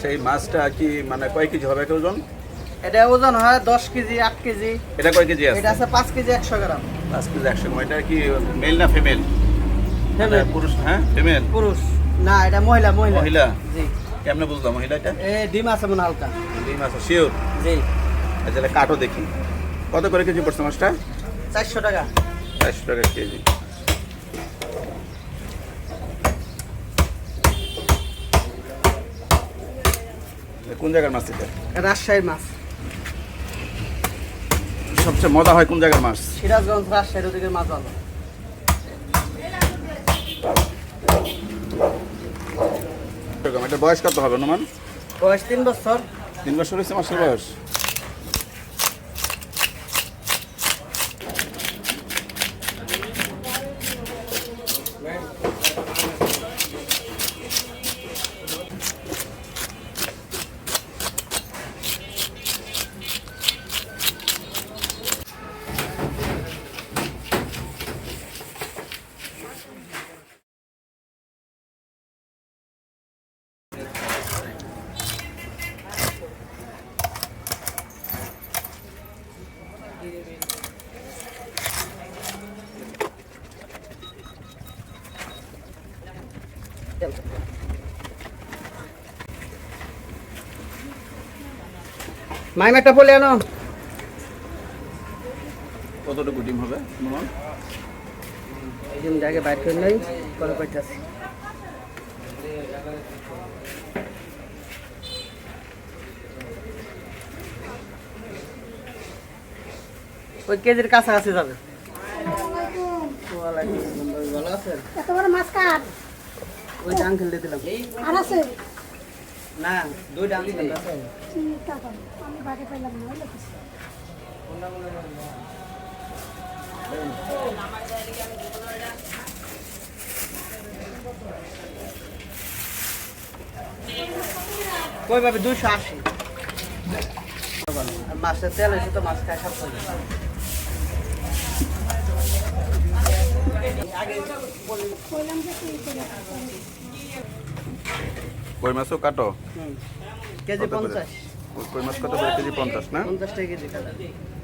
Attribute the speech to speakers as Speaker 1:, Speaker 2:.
Speaker 1: আচ্ছা এই মাছটা কি মানে কয় কেজি হবে একটা ওজন?
Speaker 2: এটা ওজন হয় 10 কেজি 8 কেজি।
Speaker 1: এটা কয় কেজি আছে?
Speaker 2: এটা আছে 5 কেজি 100 গ্রাম।
Speaker 1: 5 কেজি 100 গ্রাম। এটা কি মেল না ফিমেল?
Speaker 2: ফিমেল।
Speaker 1: পুরুষ? হ্যাঁ ফিমেল।
Speaker 2: পুরুষ না, এটা মহিলা।
Speaker 1: মহিলা?
Speaker 2: জি।
Speaker 1: কেমনে বুঝলাম মহিলা এটা?
Speaker 2: ডিম আছে মনে হালকা।
Speaker 1: ডিম আছে শিওর?
Speaker 2: জি।
Speaker 1: আচ্ছা তাহলে কাটো দেখি কত করে কেজি পড়ছে মাছটা?
Speaker 2: 400 টাকা।
Speaker 1: 400 টাকা কেজি। কোন জায়গার মাছ এটা?
Speaker 2: রাজশাহীর মাছ।
Speaker 1: সবচেয়ে মজা হয় কোন জায়গার মাছ?
Speaker 2: সিরাজগঞ্জ রাজশাহীর ওদিকের মাছ ভালো।
Speaker 1: এটা বয়স কত হবে অনুমান?
Speaker 2: বয়স 3 বছর।
Speaker 1: 3 বছর হয়েছে মাছের বয়স?
Speaker 2: মাইম একটা বলে আনো।
Speaker 1: কতটুকু ডিম হবে অনুমান?
Speaker 2: ডিম আগে বাইর করে নাই, পরে পাইতাছি। ওই কেজির কাছাকাছি যাবে। ভালো আছেন?
Speaker 3: এত বড় মাছ কাট
Speaker 2: ওই ডাং খেলতে দিলাম।
Speaker 3: আর আছে
Speaker 2: না, 2 ডাং দিলাম।
Speaker 3: ঠিক আছে আমি বাড়ি পাইলাম না ওই লোকেশ
Speaker 2: কই ভাবে 280। আর মাছের তেল হয়েছে তো মাছ খায় সব করে।
Speaker 3: কইলাম যে তুই করে
Speaker 1: কই মাছও কাটো?
Speaker 2: কেজি
Speaker 1: কত করে?
Speaker 2: 50।
Speaker 1: কই মাছ কত করে কেজি? 50 না?
Speaker 2: 50 টাকা কেজি কাটা।